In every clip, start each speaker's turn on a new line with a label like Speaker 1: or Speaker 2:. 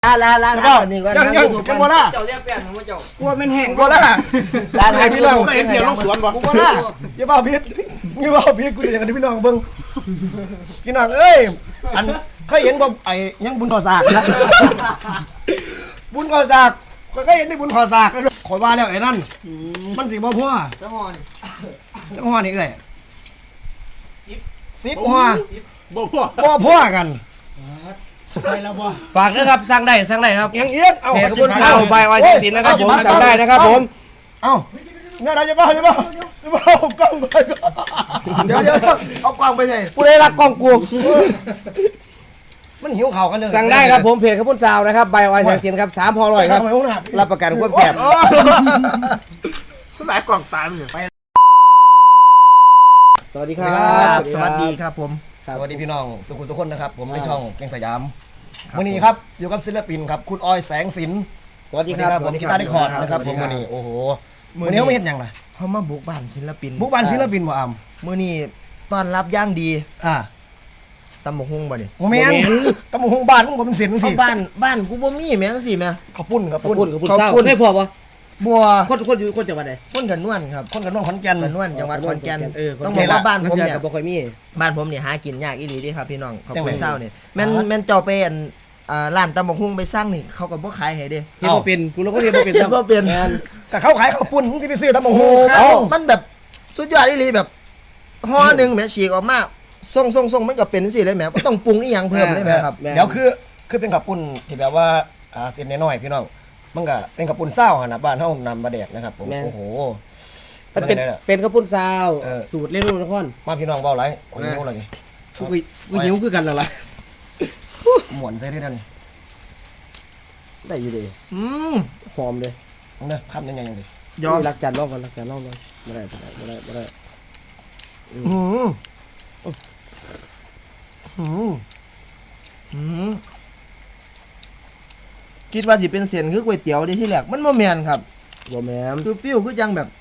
Speaker 1: ลานี่ก่อนยังบ่ล่ะ
Speaker 2: เจ้าเรียกแป้งของเจ้าก
Speaker 1: ลัวมันแห้งบ่ล่ะลาให้พี่น้อง
Speaker 3: เห็นเดี๋ยวลงสวนบ่
Speaker 1: กูบ่ล่ะอย่าว่าผิดกูอยากให้พี่น้องเบิ่งพี่น้องเอ้ยอันเคยเห็นบ่ไอ้ยังบุญก่อสากนะบุญก่อสากเคยเห็นได้บุญก่อสากขอยว่าแล้วไอ้นั่นมันสิบ่พอ
Speaker 2: จังหวะนี่
Speaker 1: จังหวะนี้เอ้ย10หัว
Speaker 3: บ่
Speaker 1: พอกัน
Speaker 3: ไปแล้วบ่
Speaker 4: ฝากนะครับสั่งได้ครับ
Speaker 1: ยังเอียงเอา
Speaker 4: เพจกระบวนข้าวใบอ้อยสินนะครับผมสั่งได้นะครับผม
Speaker 1: เอาเนี่ยเราจะบ้ากล้องไปเดี๋ยวเอากล้องไปใส่
Speaker 4: ผู้ใดรักกล้องกู
Speaker 1: มันหิวเข่ากันเลย
Speaker 4: สั่งได้ครับผมเพจกระบวนซาวนะครับใบอ้อยสินครับ3พอร่อยครับรับประกันความแซ่บ
Speaker 3: หลายกล่องตามอยู่
Speaker 4: สวัสดีครับ
Speaker 1: สวัสดีครับผมสวัสดีพี่น้องสุขุมทุกคนนะครับผมในช่องเก่งสยามวันนี้ครับอยู่กับศิลปินครับคุณออยแสงสิน
Speaker 4: สวัสดีครับ
Speaker 1: ผมกีตาร์ได้คอร์ดนะครับผมวันนี้โอ้โหวันนี้เขาไม่เห็นอย่างไร
Speaker 5: เขามาบุกบ้านศิลปิน
Speaker 1: บุกบ้านศิลปินบ่อาม
Speaker 5: มื้อนี้ต้อนรับย่างดีตำบักหุ่งบ่นี่
Speaker 1: โมเมนตำบักหุ่งบ้านผมเป็นเสียงสิ
Speaker 5: บ้านกูบ่มีแม่จังซี่แม่
Speaker 1: ข้าวปุ้น
Speaker 4: ข้าวปุ้นเศร้าให้พอบ่
Speaker 5: บัว
Speaker 4: คนอยู่คนจังหวัดใด
Speaker 5: คนกันนวลครับ
Speaker 1: คนกันนวลขอนแก่น
Speaker 5: นวลจังหวัดขอนแก่น
Speaker 4: ต้อง
Speaker 5: บอกว่าบ้านผมเนี่ย
Speaker 4: บ่ค่อยมี
Speaker 5: บ้านผมเนี่ยหากินยากอีหลีเด้ครับพี่น้องขอบคุณเศร้าเนี่ยแม่นเจ้าไปร้านตำบักหุ่งไปสร้างนี่เขาก็บ่ขายให้เด้
Speaker 4: เฮ็ดบ่เป็นผู้เราก็เฮ็ดบ่เป็น
Speaker 5: บ่เป็น
Speaker 1: แต่เขาขายข้าวปุ้นที่ไปซื้อตำบักหุ่ง
Speaker 5: มันแบบสุดยอดอีหลีแบบห่อนึงแม่ฉีกออกมาส่งมันก็เป็นสิเลยแม่บ่ต้องปรุงอีหยังเพิ่มเลยแม่ครับ
Speaker 1: เดี๋ยวคือเป็นข้าวปุ้นที่แบบว่าเส้นน้อยๆพี่น้องมันก็เป็นข้าวปุ้นเศร้านะบ้านเฮานำมาแดกนะครับผมโอ้โห
Speaker 4: มันเป็นข้าวปุ้นซาวสูตรเล่นลูกนคร
Speaker 1: มาพี่น้องเว้าหลายโอ้ยหิวแล้วนี่
Speaker 4: กูหิวคือกันนั่นล่ะ
Speaker 1: หมวนใส่ได้แล้วนี่
Speaker 4: ได้อยู่ดิหอมเลย
Speaker 1: เด้อคำยังไงดิ
Speaker 4: ยอมรักจานรอบก่อนบ่ได้
Speaker 5: คิดว่าสิเป็นเส้นคือก๋วยเตี๋ยวดิที่แรกมันบ่แม่นครับ
Speaker 4: บ่แม่น
Speaker 5: คือฟิลคือจังแบบ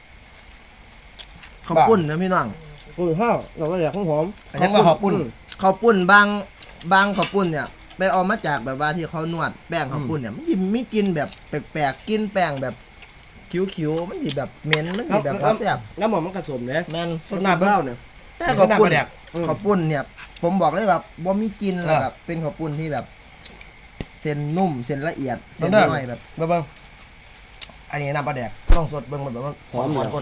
Speaker 5: ข้าวปุ้นนะพี่น้อง
Speaker 4: ข้าวเราก็อยากหอม
Speaker 1: ยังว่าข้าวปุ้น
Speaker 5: บางข้าวปุ้นเนี่ยไปเอามาจากแบบว่าที่เขานวดแป้งข้าวปุ้นเนี่ยมันสิมีกลิ่นแบบแปลกๆกลิ่นแป้งแบบคิ้วๆมันสิแบบเหม็นมันสิแบบแซ่บ
Speaker 4: แล้วหม่อมันผสมเด้
Speaker 5: แม่น
Speaker 4: สดน้ำเปล่าเนี่ย
Speaker 5: แต่ข้าวปุ้นเนี่ยผมบอกเลยว่าบ่มีกลิ่นแล้วแบบเป็นข้าวปุ้นที่แบบเส้นนุ่มเส้นละเอียดเส้นน้อยแบบ
Speaker 1: เบิ่งอันนี้น้ำปลาแดกต้องสดเบิ่งมันแบบว่าหอมก้น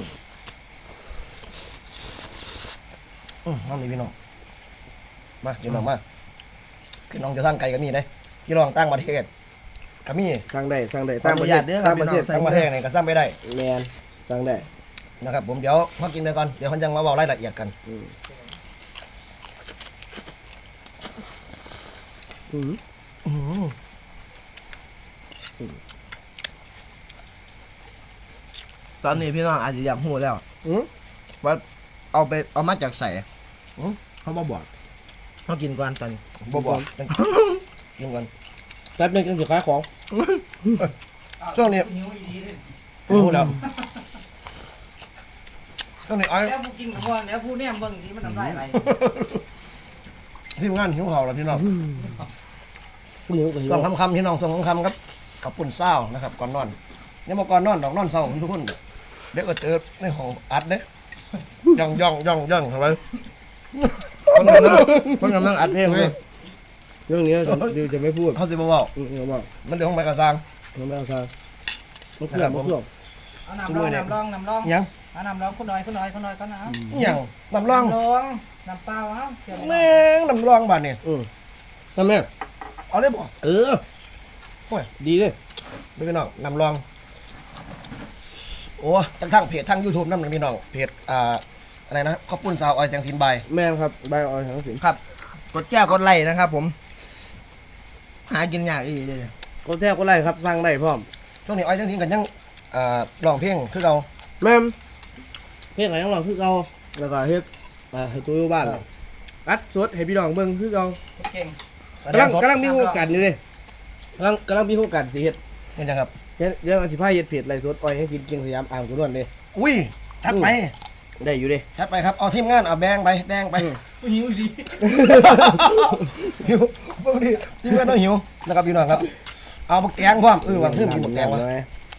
Speaker 1: น้ำนี่พี่น้องมาพี่น้องมาพี่น้องจะสร้างไก่ก็มีได้พี่น้องตั้งประเทศก็มี
Speaker 4: สร้างได้
Speaker 5: ตั้งประเทศ
Speaker 1: ตั้งประเทศนี่ก็สร้างไม่ได้
Speaker 4: แมนสร้างได้
Speaker 1: นะครับผมเดี๋ยวพอกินไปก่อนเดี๋ยวเขาจะมาบอกรายละเอียดกัน
Speaker 5: ตอนนี้พี่น้องอาจจะอยากหูแล้วว่าเอามาจากใส่เขาบอกเขากินก่อนตอนนี้
Speaker 1: บอกกินก่อน
Speaker 4: แป๊บนึงกันจะขายของ
Speaker 1: ช่วงนี้พูดแล้วช่วงนี้ไอ้
Speaker 2: แล้วผู้กินกับพ่อแล้วผู้เนี่ยเบิ่งที่มันทำได้อะไร
Speaker 1: ที่งานหิวข่าวแล้วพี่น้องส่งคำพี่น้องส่งคำครับกับปุ่นเศร้านะครับก่อนนอนยังมาก่อนนอนดอกนอนเศร้าทุกคนเด็กก็เจอในห้องอัดเด้ย่องทำไม
Speaker 5: คนกำลังอัดเพลงเลย
Speaker 4: เรื่องนี้เดี๋ยวจะไม่พูด
Speaker 1: เขาจะบอกมันเดี๋ยวห้องไม้กระซัง
Speaker 4: มันไม่กระซัง
Speaker 2: มันเครื่องเอาน้ำร้อง
Speaker 1: ยัง
Speaker 2: เอาน้ำร้องคนน้อยก็น้ำ
Speaker 1: ยังน้ำร้อง
Speaker 2: น้ำเปล่า
Speaker 1: แม่งน้ำร้องบ้านเนี่ย
Speaker 4: ทำไม
Speaker 1: เอาเลยบ่
Speaker 4: ดีเลย
Speaker 1: ไม่พี่น้องน้ำร้องโอ้ทั้งเพจทั้ง YouTube นั่นพี่น้องเพจอะไรนะข้าวปุ้นสาวออยแสงสินใบ
Speaker 4: แม่ครับใบออยแสงสิน
Speaker 5: ครับกดแจ้กดไลค์นะครับผมหากินยากอีกเลย
Speaker 4: กดแจ้กดไลค์ครับสร้างได้พร้อม
Speaker 1: ช่วงนี้ออยแสงสินกันยังร้องเพลงคือเรา
Speaker 4: แม่เพลงอะไรต้องร้องคือเราแล้วก็เฮ็ดให้ตัวอยู่บ้านอัดสดให้พี่น้องเบิ่งคือเรา
Speaker 2: เก่ง
Speaker 4: กำลังมีโอกาสอยู่เลยกำลังมีโอกาสสิเฮ็ด
Speaker 1: เห็นยังครับ
Speaker 4: เดี๋ยวอธิบายเฮ็ดเพจไลฟ์สดออยให้กินเก่งสยามอ่างกุนวลเลย
Speaker 1: อุ้ยชัดไป
Speaker 4: ได้อยู่ดิ
Speaker 1: ชัดไปครับเอาทีมงานเอาแบงไป
Speaker 2: หิวดี
Speaker 1: หิวพวกนี้ทีมงานต้องหิวนะครับพี่น้องครับเอาบักแตงพร้อมว่าเพิ่มกินบักแตงวะ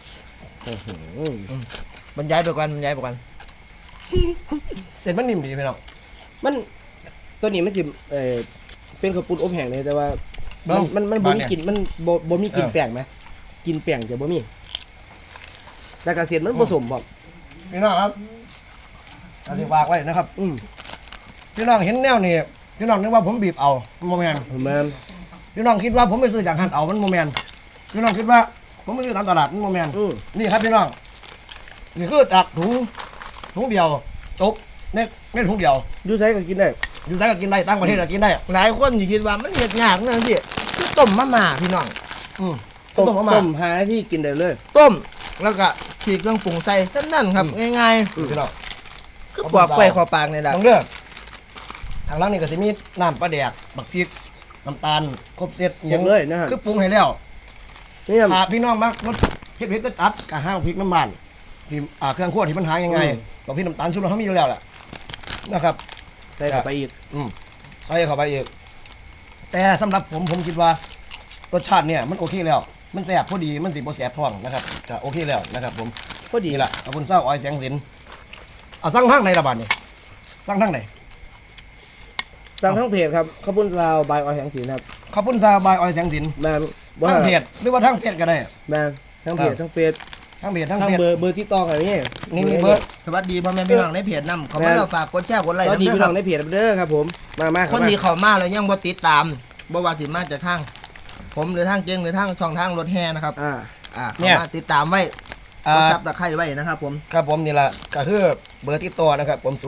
Speaker 5: บรรยายไปก่อนบรรยายไปก่อน
Speaker 1: เส้นมันนิ่มดีพี่น้อง
Speaker 4: มันตัวนี้มันจิเป็นข้าวปุ้นอบแห้งเลยแต่ว่ามันบ่มีกลิ่นมันบ่มีกลิ่นแป้งไหมกินแป้งจะบ่มีแต่กระเสียนมันผสมบ่
Speaker 1: พี่น้องครับอธิบายไว้นะครับพี่น้องเห็นแนวนี่พี่น้องนึกว่าผมบีบเอาโมเมนต์
Speaker 4: แม่น
Speaker 1: พี่น้องคิดว่าผมไปซื้อจากหันเอามันโมเมนต์พี่น้องคิดว่าผมไปซื้อตามตลาดมันโมเมนต์นี่ครับพี่น้องนี่คือจากถุงเดียวจบในถุงเดียว
Speaker 4: อยู่ไสก็กินได้
Speaker 1: อยู่ไสก็กินได้ตั้งประเทศก็กินได้
Speaker 5: หลายคนสิคิดว่ามันเฮ็ดยากนั่นสิคือต้มมะม่าพี่น้อง
Speaker 1: ต้มมา
Speaker 4: ต้ม5 นาทีกินได้เลย
Speaker 5: ต้มแล้วก็ฉีกเครื่องปรุงใส่ซ้ำนั่นครับง่าย
Speaker 1: พี่น้อง
Speaker 5: ๆคือปอกไปคอปากนี่แหละ
Speaker 1: ต้องเลือกทางล่างนี่ก็จะมีน้ำปลาแดกบักพริกน้ำตาลครบเสร็จ
Speaker 4: อย่างเลยนะฮะ
Speaker 1: คือปรุงให้แล้ว
Speaker 4: นี่
Speaker 1: ถ้าพี่น้องมักรสเผ็ดๆก็ตัดกับห้างพริกน้ำมันที่เครื่องคั่วที่มันหายังไงกับพี่น้ำตาลชูรสเขามีอยู่แล้วแหละนะครับ
Speaker 4: ใส่เข้าไปอีก
Speaker 1: ใส่เข้าไปอีกแต่สำหรับผมคิดว่ารสชาติเนี่ยมันโอเคแล้วมันแซ่บพอดีมันสีบ่แซ่บท้องนะครับก็โอเคแล้วนะครับผม
Speaker 4: พอดี
Speaker 1: นี่แหละขอบคุณเศร้าอ้อยแสงสินเอาสั่งทางไหนละบาดนี่สั่งทางไหน
Speaker 4: สั่งทั้งเพจครับข้าวปุ้นลาวบายออยแสงสีครับ
Speaker 1: ขอบคุณซาบายอ้อยแสงสิน
Speaker 4: แม่นบ่
Speaker 1: ทางเพจหรือว่าทางเฟซก็ได้
Speaker 4: แม่นทั้งเพจทั้งเฟซ
Speaker 1: ทางเพจทาง
Speaker 4: ทั้ง
Speaker 1: เฟซ
Speaker 4: เบอร์ติดต่อกันนี่
Speaker 1: นี่เบอร์
Speaker 5: สวัสดีพ่อแม่พี่น้องในเพจนำเขามาแล้วฝากกดแชร์กดไลค์
Speaker 4: สวัสดี
Speaker 5: ด้วย
Speaker 4: พี่
Speaker 5: ค
Speaker 4: น้
Speaker 5: รั
Speaker 4: อบ งในเพจเด้อครับผมมา
Speaker 5: คนที่เข้ามาแล้วยังบ่ติดตามบ่ว่าสิมาจากทางผมหรือทางเจงหรือทางช่องทางรถแห่นะครับเข้ามาติดตามไว้กดซับตะไคร้ไว้นะครับผม
Speaker 1: ครับผมนี่แหละก็คือเบอร์ติดต่อนะครับผม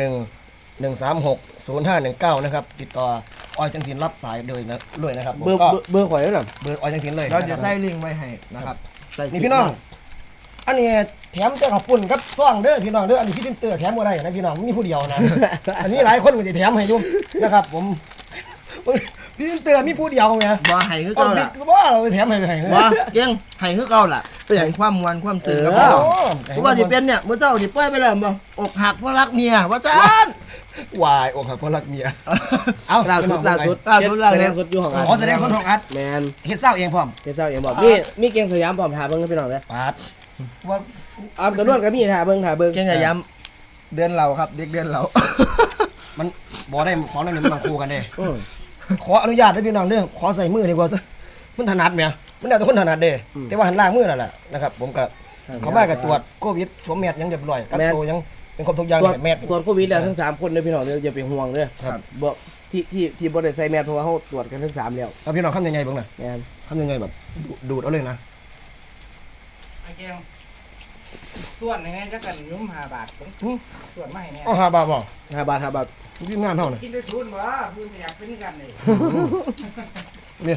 Speaker 1: 0911360519นะครับติดต่ออ้อยแสงสินรับสายโดยนะด้วยนะครับผม
Speaker 4: เบอร์
Speaker 1: ก็
Speaker 4: เบอร์ข่อยแล้วน่ะ
Speaker 1: เบอร์อ้อยแสงสินเลย
Speaker 5: เราจะใส่ลิงก์ไว้ให้นะครับใส่
Speaker 1: นี่พี่น้อง อันนี้แถมแต่ขอบปุ่นครับซ่องเด้อพี่น้องเด้ออันนี้พี่ตินเตอร์แถมบ่ได้นะพี่น้องมีผู้เดียวนะ อันนี้หลายคนก็จะแถมให้อยู่นะครับผม พี่ตินเตอร์มีผู้เดียวไง
Speaker 5: บ่ให้คือ
Speaker 1: เอา
Speaker 5: เก่า
Speaker 1: บิ๊
Speaker 5: ล่ะ
Speaker 1: กว่าเราไปแถมให้ไป
Speaker 5: บ่เก่งให้คือเก่าล่ะให้ความมวลความซึ้งกับพี่น้องเพราะว่าสิเป็นเนี่ยมื้อเจ้าสิปล่อยไปแล้วบ่อกหักเพราะรักเมียว่าซั่น
Speaker 1: วายอกหักเพราะรักเมียเอา
Speaker 4: ล่าสุด
Speaker 5: ล่าสุด
Speaker 4: แสดงสุดอยู่ของอัด
Speaker 1: อ๋อแสดงคนของอัด
Speaker 4: แมน
Speaker 1: เฮ็ดเศร้าเองพร้อม
Speaker 4: เป็นเจ้าเองบอกมีเกียงสยามพร้อมถ่าเบิ่งพี่น้องเด้อ
Speaker 1: ปาดว่า
Speaker 4: อามกระนวดก็มีถ่าเบิ่ง
Speaker 5: เก่งจะย้ำเดือนเราครับเด็กเดือนเรา
Speaker 1: มันบ่ได้ของนั่นนี่มันต้องคู่กันเด้ ขออนุญาตให้พี่น้องเด้อขอใส่มือดีกว่าซะมันถนัดแหมมันแล้วแต่คนถนัดเด้แต่ว่าหันล่างมือนั่นแหละนะครับผมก็เขามาก็ตรวจโควิดสวมแมสยังเรียบร้อยกักตัวยังเป็นครบทุกอย่าง
Speaker 4: ตรวจ
Speaker 1: แมส
Speaker 4: โควิดแล้วทั้ง3คนเด้อพี่น้องเด้ออย่าไปห่วงเด้อ
Speaker 1: ครับ
Speaker 4: บ่ที่บ่ได้ใส่แมสเพราะว่าเฮาตรวจกันทั้ง3แล้ว
Speaker 1: เอาพี่น้องคำยังไงบ้างนะ
Speaker 4: แมน
Speaker 1: คำยังไงแบบดูดเอาเลยนะ
Speaker 2: ไอ้แกงส่วนไหนๆจะกันยุ่ม5 บาทส่วนมาให้แน่
Speaker 1: อ๋อ5 บาทบ่
Speaker 4: 5 บาท5 บาท
Speaker 1: ที่งานเท่าน่ะ
Speaker 2: กินได้ศูนย์บ่เพิ่นอยากเป็นกันเลย
Speaker 1: เนี่ย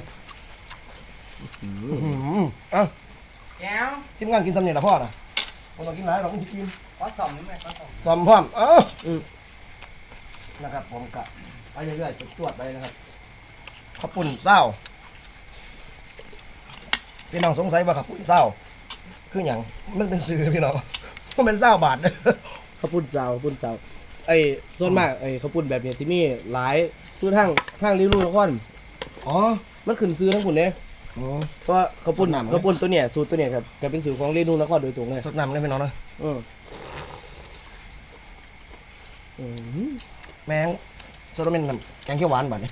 Speaker 1: เอ้า
Speaker 2: แก้ว
Speaker 1: ทีมงานกินสำเนียงละพ่อน่ะผมต้องกินหลายเราต้องกิน
Speaker 2: ขอส่องนี่แม่ขอส่อง
Speaker 1: ซ้อมพร้อมนะครับผมกะไปเรื่อยๆตรวจไปนะครับข้าวปุ่นเศร้าพี่น้องสงสัยว่าข้าวปุ่นเศร้าคืออย่างมันเป็นซื้อพี่น้องมันเป็นเศร้าบาท
Speaker 4: ข้าวปุ้นซาวไอ้ส่วนมากไอ้ข้าวปุ้นแบบนี้ที่มีหลายคือทางริ้วนคร
Speaker 1: อ๋อ
Speaker 4: มันขึ้นซื้อทั้งพุ่นเด้
Speaker 1: อ๋อ
Speaker 4: เพราะว่าข้าวปุ้น
Speaker 1: สดน้ำเลย
Speaker 4: ข้าวปุ้นตัวเนี้ยสูตรตัวเนี้ยครับก็เป็นสูตรของริ้วนครโดยตรงเลย
Speaker 1: สดน้ำเลยพี่น้องนะ แมงโซโลเมนน้ำแกงเขียวหวานบาทนี่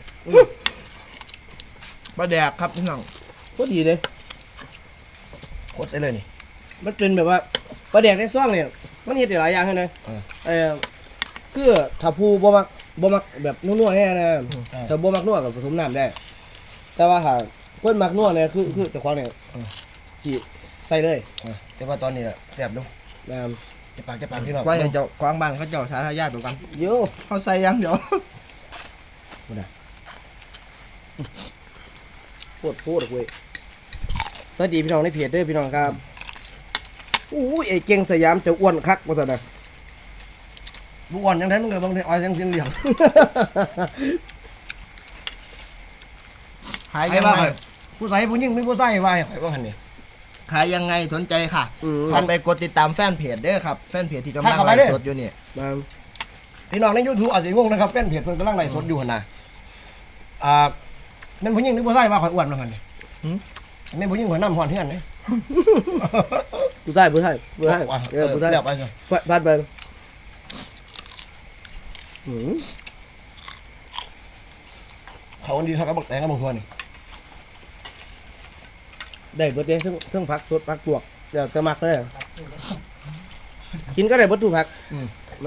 Speaker 5: ปลาแดกครับพี่น้อง
Speaker 4: พอดีเลย
Speaker 1: โคตรใส่เลยนี่
Speaker 4: มันเป็นแบบว่าปลาแดกในซ่องเนี่ยมันเฮ็ดได้หลายอย่างเลย คือถ้าผู้บ่มักแบบนัวๆแน่นะถ้าบ่มักนัวก็ผสมน้ำได้ แต่ว่าถ้าคนมักนัวเนี่ยคือเจ้าของเนี่ยสิใส่เลย
Speaker 1: แต่ว่าตอนนี้แหละแซ่บดู
Speaker 4: นะ
Speaker 1: จะปากพี่น้อง
Speaker 5: ไว้ให้เจ้ากวางบ้านเขาเจ้าสาธารณะไปกัน
Speaker 4: โย
Speaker 5: เขาใส่ยังเดี๋ยว
Speaker 4: พูดเว้ยสวัสดีพี่น้องในเพจเด้อพี่น้องครับอู้ยไอ้เก่งสยามจะอ้วนคักว่าซั่นน่ะ
Speaker 1: บุกอ่อนยังไงมึงเลยบางทีอ้อยยังสิ้นเหลี่ยม
Speaker 5: ขายยังไง
Speaker 1: ผู้ใส่ผู้ยิ่งไม่ผู้ใส่ไว้ข่อยว่าหันนี่
Speaker 5: ขายยังไงสนใจค่ะท่านไปกดติดตามแฟนเพจเด้อครับแฟนเพจที่กำลังไลฟ์สดอยู่นี่
Speaker 4: มา
Speaker 1: พี่น้องใน YouTube อาจจะงงนะครับแฟนเพจเพิ่นกำลังไลฟ์สดอยู่หั่นน่ะมันผู้ยิ่งหรือผู้ใส่ว่าข่อยอ้วนว่าหั่นนี่แม่ผู้หญิงหัวน้ำหอนเฮือนเลย
Speaker 4: ผู้ชายผู้ชายผู้ชายผู้ชาย
Speaker 1: เดี๋ยวไปสิ
Speaker 4: พลาดไปอืม
Speaker 1: เขาคนดีเขาก็บอกแต่งกับมึงทัวนี่
Speaker 4: ได้เบิดเด้ทั้งผักสดผักบวกเดี๋ยวจะมักเลยกินก็ได้เบิดทุกผักมา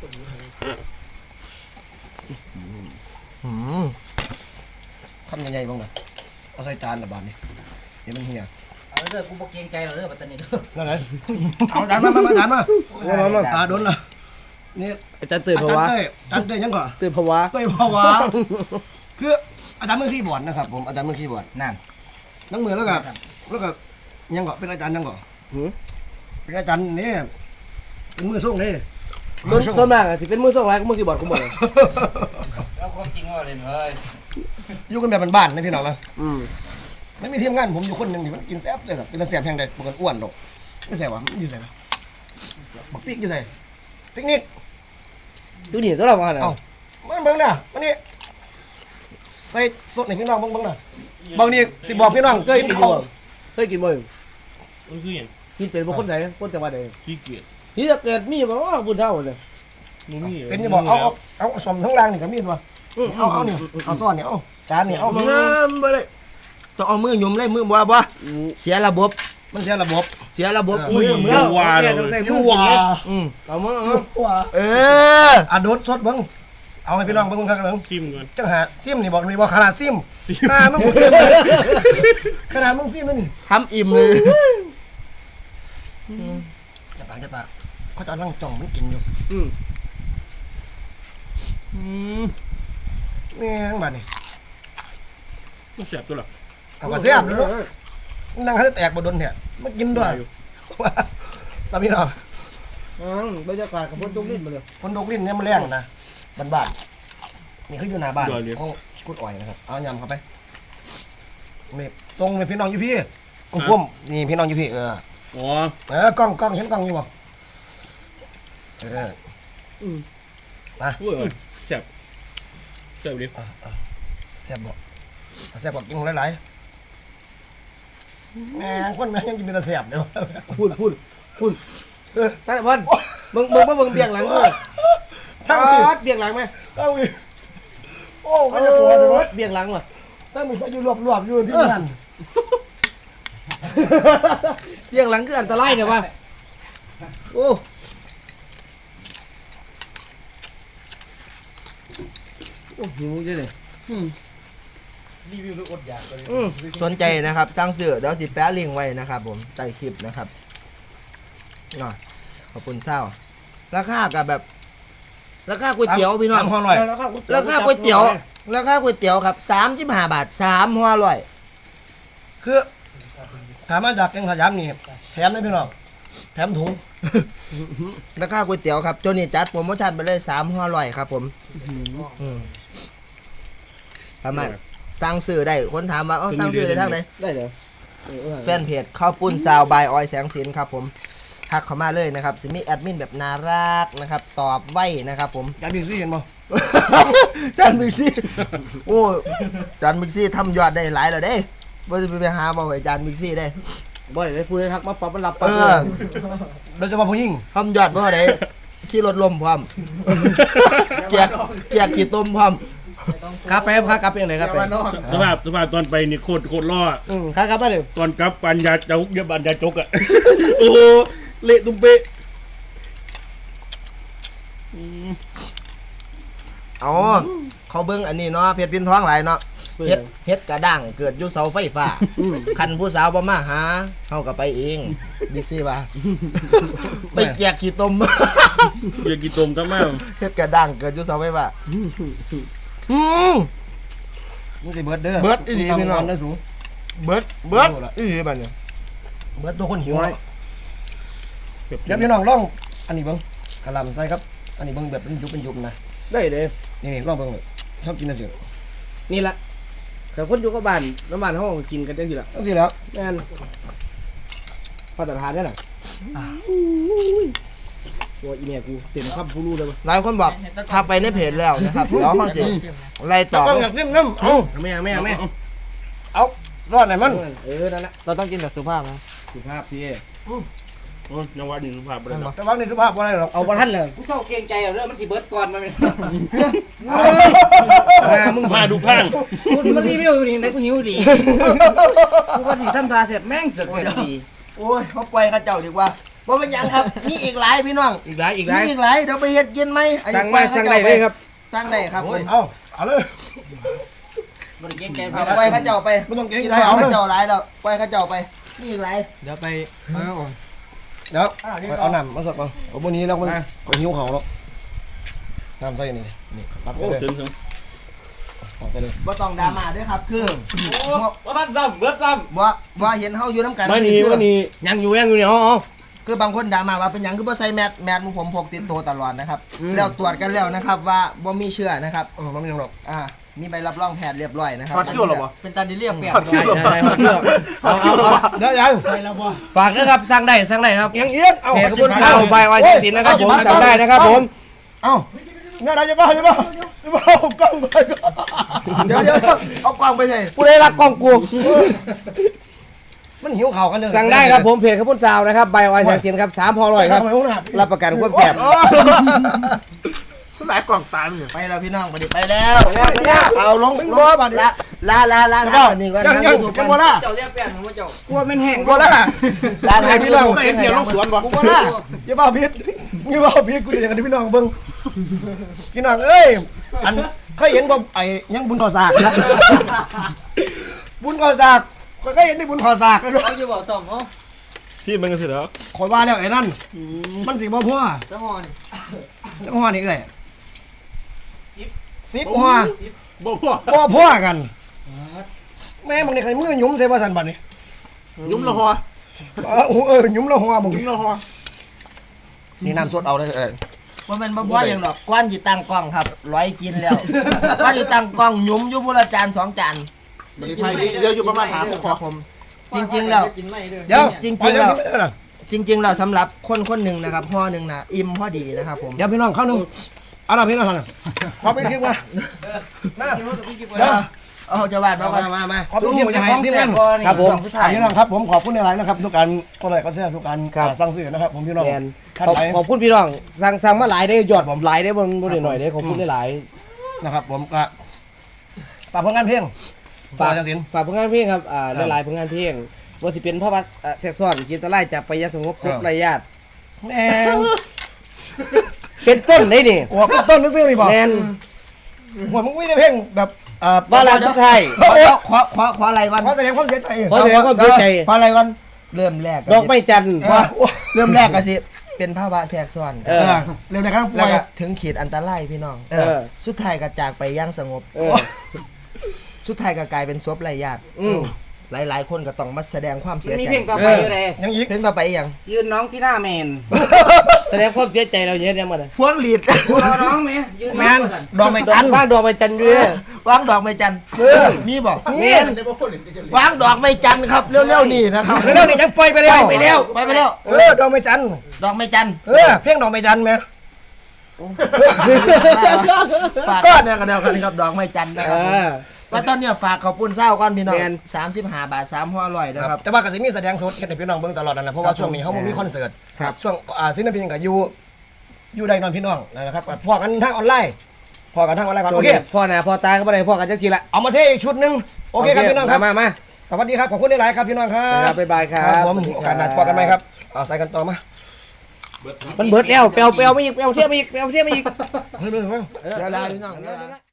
Speaker 1: คำใหญ่ๆบ้างนะเอาใส่จานละบาทนี่เดี๋ยวมันเหี่ย
Speaker 2: เอาเด้อกูบ่เกรงใจหรอกเด้อปัตตานีเด้อ
Speaker 1: นั่นไงเอาจานมาจานมาตาโดนละนี่
Speaker 4: อาจารย์ตื่นภาวะ
Speaker 1: อาจารย์เต้ยยังก่อน
Speaker 4: ตื่นภาวะ
Speaker 1: เต้ยภาวะคืออาจารย์มือคีย์บอร์ดนะครับผมอาจารย์มือคีย์บอร์ด
Speaker 2: นั่น
Speaker 1: นั่งมือแล้วก็ยังก่อนเป็นอาจารย์ยังก่อน
Speaker 4: หืม
Speaker 1: เป็นอาจารย์นี่เป็นมือส่งนี่
Speaker 4: ส่วนมากอะสิเป็นมือส่งอะไรก็มือคีย์บอร์ดกูหมดเลย
Speaker 2: แล้วความจริงว่าเล่นเฮ้ย
Speaker 1: อยู่กันแบบบ้านๆนะพี่น้องนะ
Speaker 4: อืม
Speaker 1: ไม่มีทีมงานผมอยู่คนหนึ่งที่มันกินแซ่บเลยครับเป็นตาแซ่บแพงใดปกติอ้วนดอกไม่แซ่บวะมันอยู่ไหนวะบักปิ๊กอยู่ไหนปิกนิก
Speaker 4: ดูนี่ตัวเราว่าน่ะ
Speaker 1: เอ้ามันเบิ่งน่ะมันนี่ใส่สดให้พี่น้องเบิ่งน่ะบางนี่สิบอกพี่น้อง
Speaker 4: เคย
Speaker 1: กิน
Speaker 4: กิน
Speaker 1: ข้าว
Speaker 4: บ่เคยกินบ่
Speaker 3: มันคืออย่าง
Speaker 4: กินเป็นบ่คนไหนคนจังหวัดใด
Speaker 3: ขี้เกียจ
Speaker 4: นี่จะเกิดมีบ่ว่าบุญเท่าเลย
Speaker 3: มึงนี่
Speaker 1: เป็นจะบอกเอาสมทั้งรางนี่ก็มีตัวเอานี่เอาซ่อนนี่เอาจานนี่เอา
Speaker 5: น้ำบ่ได้ต้องเอามือหยุมเลยมือบ่เสียระบบ
Speaker 1: มันเสียระบบ
Speaker 5: เสียระบบ
Speaker 3: มึงมึงวาเลย
Speaker 4: ต้องใส่มื
Speaker 1: ยู่
Speaker 4: อ
Speaker 1: ว่า
Speaker 4: เอามือ
Speaker 5: เออ
Speaker 1: อ่ะโดดสดเบิ่งเอาให้พี่น้องเบิ่งครับเบิ่ง
Speaker 3: ซิมก่อน
Speaker 1: จังหาซิมนี่บอกนี่บอกขนาดซิม
Speaker 3: ซิม
Speaker 1: มึงซิมขนาดมึงซิมตัวนี่
Speaker 5: ทำอิ่มเลย
Speaker 1: จะปากเขาจะนั่งจ้องมันกินอยู่
Speaker 4: อืม
Speaker 1: แม่งบัดนี่
Speaker 3: มันแสบตัวหรอ
Speaker 1: เอาก็เสียบเลยนั่งให้แตกบ่โดนเนี่ยมากินด้วยตามพี่น้อง
Speaker 4: บรรยากาศกับฝนตกลิ้นมาเลย
Speaker 1: ฝนตกลิ้นเนี่ยมันแรงนะบ้านๆนี่คืออยู่หน้าบ้านของกุดอ้อยนะครับเอายำเข้าไปนี่ตรงเลยพี่น้องอยู่พี่กุ้มนี่พี่น้องอยู่พี่
Speaker 3: อ๋อก
Speaker 1: ล้องเห็นกล้องอยู่บ่มา
Speaker 3: อุ้ยแสบแสบดิ
Speaker 1: แซ่บบ่แซ่บบ่กินหลายๆแม่งคนแม่งยังกินเป็นตาแซ่บเด้อ
Speaker 4: พูดท่านพันมึงเบี่ยงหลังกู
Speaker 1: ทั้งที่
Speaker 4: เบี่ยงหลังไหม
Speaker 1: ทั้งที่โอ้ไม่จะปวดเลยวะ
Speaker 4: เบี่ยงหลังว่ะ
Speaker 1: ทั้งมีใส่อยู่รวบๆอยู่ที่นั่น
Speaker 4: เบี่ยงหลังคืออันตรายเนี่ยวะโอ้หิวเยอะเลย
Speaker 2: รีวิวด้วยอดอยากเลย
Speaker 5: สนใจนะครับสั่งซื้อเดี๋ยวสิแปะลิงก์ไว้นะครับผมใต้คลิปนะครับขอบคุณเศร้าราคากับแบบราคาก๋วยเตี๋ยวพี่น้อง
Speaker 1: 3ห่อหน่อย
Speaker 5: ราคาก๋วยเตี๋ยวครับ35 บาท3ห่อร่อย
Speaker 1: คือถามมาจากแกงขยำนี่แถมได้พี่น้องแถมถุง
Speaker 5: ราคาก๋วยเตี๋ยวครับโจนี่จัดโปรโมชั่นไปเลย3ห่อร่อยครับผมสามารถสั่งซื้อได้คนถามว่าสั่งซื้อได้ทางไหน
Speaker 4: ได้เหรอ
Speaker 5: แฟนเพจข้าวปุ้นซาวบายออยแสงสินครับผมทักเข้ามาเลยนะครับสิมีแอดมินแบบน่ารักนะครับตอบไว้นะครับผม
Speaker 1: จานบิ๊กซี่เห็นบ่
Speaker 5: จานบิ๊กซี่โอ้จานบิ๊กซี่ทำยอดได้หลายแล้วเด้ว่าจะไปหาบอกไอ้จานบิ๊กซี่ได้
Speaker 4: บ่ได้พูดให้ทักมาปรับมันรับปั๊บ
Speaker 1: โดยเฉพาะผู้หญิง
Speaker 5: ทำยอดเพราะอะไรขี่รถลมพร้อมเกียกขี่ต้มพร้อม
Speaker 4: ครับไปครับกลับไปยังไงครับไป
Speaker 3: สภาพตอนไปนี่โคตรล่อ
Speaker 4: ครับไปเลย
Speaker 3: ตอนกลับปัญญาจกปัญญาจกอ่ะโอ้เละตุ้มเป๊ะ
Speaker 5: อ๋อเขาเบิ้งอันนี้เนาะเพชรพินท้องหลายเนาะเฮ็ดกระด้างเกิดอยู่เสาไฟฟ้าคันผู้สาวบ่มาหาเฮาก็ไปเองบิ๊กซี่ว่าไปแจกขี้ต้ม
Speaker 3: อยากกินต้มก็มา
Speaker 5: เฮ็ดกระด้างเกิดอยู่เสาไฟฟ้า
Speaker 1: มึงสิเบิร์ดเด้อ
Speaker 5: เบิร์ดอีหลีพี่น้อง
Speaker 1: เด้อสู
Speaker 5: เบิดอีหลีบัดนี้
Speaker 1: เบิร์ดตัวคนหิวเนาะเดี๋ยวพี่น้องลองอันนี้เบิ่งกะหล่ำใส่ครับอันนี้เบิ่งแบบเป็นยุบนะ
Speaker 4: ได้เลย
Speaker 1: นี่ลองเบิ่งชอบกินจังซี่
Speaker 4: นี่ละแต่คนอยู่กับบ้านน้ำบ้านห้องกินกันได้ทีละ
Speaker 1: จังซี่แล้ว
Speaker 4: แม่นมาตรฐานได้หรอตัวอีเมียกูเต็มคำผู้รู้เลย
Speaker 5: หลายคนบอกทักไปในเพจแล้วนะครับเดี๋ยวเขาสิไล่ตอบ
Speaker 1: ต้องอยากเล่นน้ำเอา
Speaker 4: แม่
Speaker 1: เอารอดไหนมัน
Speaker 4: นั่นแหละ
Speaker 6: เราต้องกินแบบสุภาพนะ
Speaker 4: สุภาพสิ
Speaker 3: โอ้ยยังว่านี่สุภาพบ่ได้หรอก
Speaker 1: แต่ว่าในสุภาพว่าอะไรหรอก
Speaker 4: เอาบ่ทันเลย
Speaker 2: กูเจ้าเกรงใจเอาเรื่องมันสิเบิดก่อนมัน
Speaker 4: มึง
Speaker 3: มาดูข้าง
Speaker 2: กูมันรีวิวนี่ได้กูหิวดีกูว่าสิทำตาเสร็จแม่งเสือกเสร็จดี
Speaker 5: โอ้ยเขาปล่อยเขาเจ้าดีกว่าบ่เป็นหยังครับมีอีกหลายพี่น้อง
Speaker 4: อีกหลาย
Speaker 5: มีอีกหลายเดี๋ยวไปเฮ็ดกินไหมอันนี้
Speaker 4: สั่งได้เลยครับ
Speaker 5: สร้างได้ครับผม
Speaker 1: เอาเลย
Speaker 2: มันเกรงใจ
Speaker 5: เอาปล่อยเขาเจ้าไป
Speaker 1: ไม่ต้องเกรง
Speaker 5: กิน
Speaker 1: ใจ
Speaker 5: ข้าว
Speaker 1: เอาเล
Speaker 5: เขา
Speaker 1: ย
Speaker 5: เจ้าหลายแล้วปล่อยเขาเจ้าไปมีอีกหลาย
Speaker 6: เดี๋ยวไป
Speaker 1: เดี๋ยวเอาน้ำมาสดก่อนผมวันนี้แล้วมันก็หิวเขาแล้วน้ำใส่นี่นี่ตักใส่
Speaker 3: โอ้
Speaker 1: เลย
Speaker 3: ถึง
Speaker 1: ตักใส่เลย
Speaker 5: บ่ต้องดราม่าด้วยครับคือ
Speaker 2: ว่าพันซ้ำเบิดซ้
Speaker 5: ว่าเห็นเฮาอยู่น้ำกัน
Speaker 3: มานี่
Speaker 5: คือ
Speaker 3: มานี่
Speaker 4: ยังอยู่เนี่ยอ๋อ
Speaker 5: คือบางคนด่ามาว่าเป็นหยังคือบ่ใส่แมสหมู่ผมพกติดตัวตลอดนะครับแล้วตรวจกันแล้วนะครับว่าบ่มีเชื้อนะครับ
Speaker 1: มันไม่ยังหรอก
Speaker 5: มีใบรับรองแพทย์เรียบร้อยนะครับ
Speaker 3: ถอดเสื้อหรอวะ
Speaker 6: เป็นตาดิเลียเปียก
Speaker 4: ได้เอา
Speaker 1: เดี๋ยวยังไปแล้วบ่
Speaker 4: ฝากนะครับสั่งได้ครับ
Speaker 1: ยังเอี้ยนเอา
Speaker 4: เพจขบวนข่าวใบวายสินนะครับผมสั่งได้นะครับผม
Speaker 1: เอาเนี่ยอะไรจะบ้าจะบ้าเอากล้องไป
Speaker 5: เดี๋ยวเอากล้องไปใส่
Speaker 4: ผู้ใดรักกล้องกู
Speaker 1: มันหิวเข่ากันเลย
Speaker 4: สั่งได้ครับผมเพจขบวนข่าวนะครับใบวายสินครับ3พอร่อยครับรับประกันความแซ่บ
Speaker 3: หลายกล่องตามอยู่
Speaker 5: ไปแล้วพี่น้องไปแล้ว
Speaker 1: เอาลงเป็นบ่บัดนี้
Speaker 5: ลาครับอันนี้ก่อน
Speaker 1: ยังยังบ่ล่ะ
Speaker 6: เจ้าเรียกเปียกหรือว่าเจ้า
Speaker 2: ำกูว่ามันแห้ง
Speaker 1: บ่ล่ะ
Speaker 5: ลาให้พี่น้อง
Speaker 3: เห็นเสียงลงสวนบ่
Speaker 1: กูบ่ล่ะอย่าบ้าพิษอย่าบ้าพิษกูอยากให้พี่น้องเบิ่งพี่น้องเอ้ยอันเคยเห็นบ่ไอ้ยังบุญก่อสากนะบุญก่อสากก็เห็นได้บุญก่อสากเลย
Speaker 6: เอาอยู่บ่สองอ๋อ
Speaker 3: ที่มันก็สิแล้ว
Speaker 1: ข่อยว่าแล้วไอ้นั่นมันสิบ่พอ
Speaker 6: เจ้าหอน
Speaker 1: จังหวะนี้เอ้ย10หัว
Speaker 3: บ่พ่อ
Speaker 1: บ่พอกันแม่มึงนี่ใครมือหยุ้มใส่ว่าซั่นบัดนี้
Speaker 3: ยุ่มละหอ
Speaker 1: หยุ้มแล้วหัวมึง
Speaker 3: ยุ่มละหอ
Speaker 1: นี่น้ำสดเอาเลย
Speaker 5: ว่ามันบ่อย่างดอกก้อนจิตั้งกล้องครับร้อยกินแล้วก้อนจิตั้งกล้องหยุ้มอยู่บุละจาน2 จาน
Speaker 3: มันไทยเดี๋ยวอยู่ประมาณหาพวก
Speaker 5: ครับผมจริงๆแล้ว
Speaker 6: กินไม่ด้วย
Speaker 1: เดี๋ยว
Speaker 5: จริงๆแล้วสำหรับคนหนึ่งนะครับห่อหนึ่งนะอิ่มพอดีนะครับผม
Speaker 1: เดี๋ยวพี่น้องเข้านึงเอาล่ะพี่น้องนะขอเป็นคลิปมามาเดี๋ยว
Speaker 5: เอาจะวาดมาก่อน
Speaker 4: มา
Speaker 1: ขอเป็นคลิปจะให้ที่นั่น
Speaker 4: ครับผม
Speaker 1: พี่น้องครับผมขอบคุณในไลน์นะครับทุกการก็เลยก็แซ่ทุกการสั่งซื้อนะครับผมพี่น้อง
Speaker 4: แมน
Speaker 1: ท่านไหน
Speaker 4: ขอบคุณพี่น้องสั่งมาหลายได้ยอดผมหลายได้บนหน่อยได้ขอบคุณได้หลาย
Speaker 1: นะครับผมก็ฝากผลงานเพลงฝากจังสิน
Speaker 4: ฝากผลงานเพลงครับหลายๆผลงานเพลงว่าสิเป็นพ่อวัดแซกซ้อนคิดตะไลจากไปยาสงบศพไรญาติ
Speaker 1: แม่
Speaker 4: เป็นต้นได้นี่
Speaker 1: โอ้ก็ต้นนึกซื้อนี่บอก
Speaker 4: แมน
Speaker 1: หัวมึงไม่ได้เพลงแบบ
Speaker 4: บ้านเราทุกไทย
Speaker 5: ขออะไรก่อน
Speaker 1: ขอแสดงความเสียใจ
Speaker 4: ขอแสดงความเสียใจ
Speaker 5: ขออะไรก่อนเริ่มแรก
Speaker 4: ดอกไม้จันทร์
Speaker 5: เริ่มแรกก็สิเป็นภาวะแทรกซ้อน
Speaker 1: เร็วนะครับ
Speaker 5: แล้วก็ถึงขีดอันตรายพี่น้อง สุดท้ายก็จากไปอย่างสงบ สุดท้ายก็กลายเป็นศพไร้ญาติหลายๆคนก็ต้องมาแสดงความเสีย
Speaker 2: มี
Speaker 5: ใจ
Speaker 2: เพลงต่อไปอยู่เลย
Speaker 1: ยังอีก
Speaker 5: เพลงต่อไปอีกอย่าง
Speaker 2: ยืนน้องที่หน้าเมน
Speaker 4: แสดงความเสียใจเราเยอะแยะหมดเลย
Speaker 5: พวงหลีด
Speaker 2: รอน้องไหมยืน
Speaker 1: แม
Speaker 2: น้อง
Speaker 1: น
Speaker 2: ก่อน
Speaker 1: ดอกไม้
Speaker 4: จั
Speaker 1: จั
Speaker 4: น
Speaker 1: น
Speaker 4: ทร์บ้านดอกไม้จันทร์ด้วย
Speaker 5: วางดอกไม้จันทร์มีบอก
Speaker 1: นี่
Speaker 5: วางดอกไม้จันทร์ครับเร็วๆนี่นะครับ
Speaker 1: เร็วนี่ยังปล่อยไปแล้ว
Speaker 5: ไปแล้ว
Speaker 1: ดอกไม้จัน
Speaker 5: ดอกไม้จันทร์
Speaker 1: เพลงดอกไม้จันไหม
Speaker 5: ฝากก้อนเนี่ยกันเดียวกันครับดอกไม้จันทร์นะครับว่าตอนเนี้ยฝากขอบคุณเศร้าก้อนพี่น้อง35 บาท3ห่อร่อยนะครับ
Speaker 1: แต่ว่าก็สิมีแสดงสดเห็นให้พี่น้องเบิ่งตลอดนั่นแหละเพราะว่าช่วงนี้เขามีคอนเสิร์ตช่วงศิลปินก็อยู่ได้นอนพี่น้องนะครับพอกันทางออนไลน์พอกันทางออนไลน์ก่อนโอเค
Speaker 4: พ่อหน้าพ่อตาก็ไม่ได้พ่อกันจังทีละ
Speaker 1: เอามาเทอีกชุดหนึงโอเคครับพี่น้องครับ
Speaker 4: มา
Speaker 1: สวัสดีครับขอบคุณหลายๆครับพี่น้องครั
Speaker 4: ครับ บบ๊ายบายครับ
Speaker 1: ผมโอกาสหน้าพบกันไหมครับเอาใส่กันต่อมา
Speaker 4: มันเบิดแล้วเปลวไม่อีกเปลวเทียบไม่อีก
Speaker 1: เฮ้ยเรื่อง
Speaker 5: เดี๋ยวลาพี่น้อง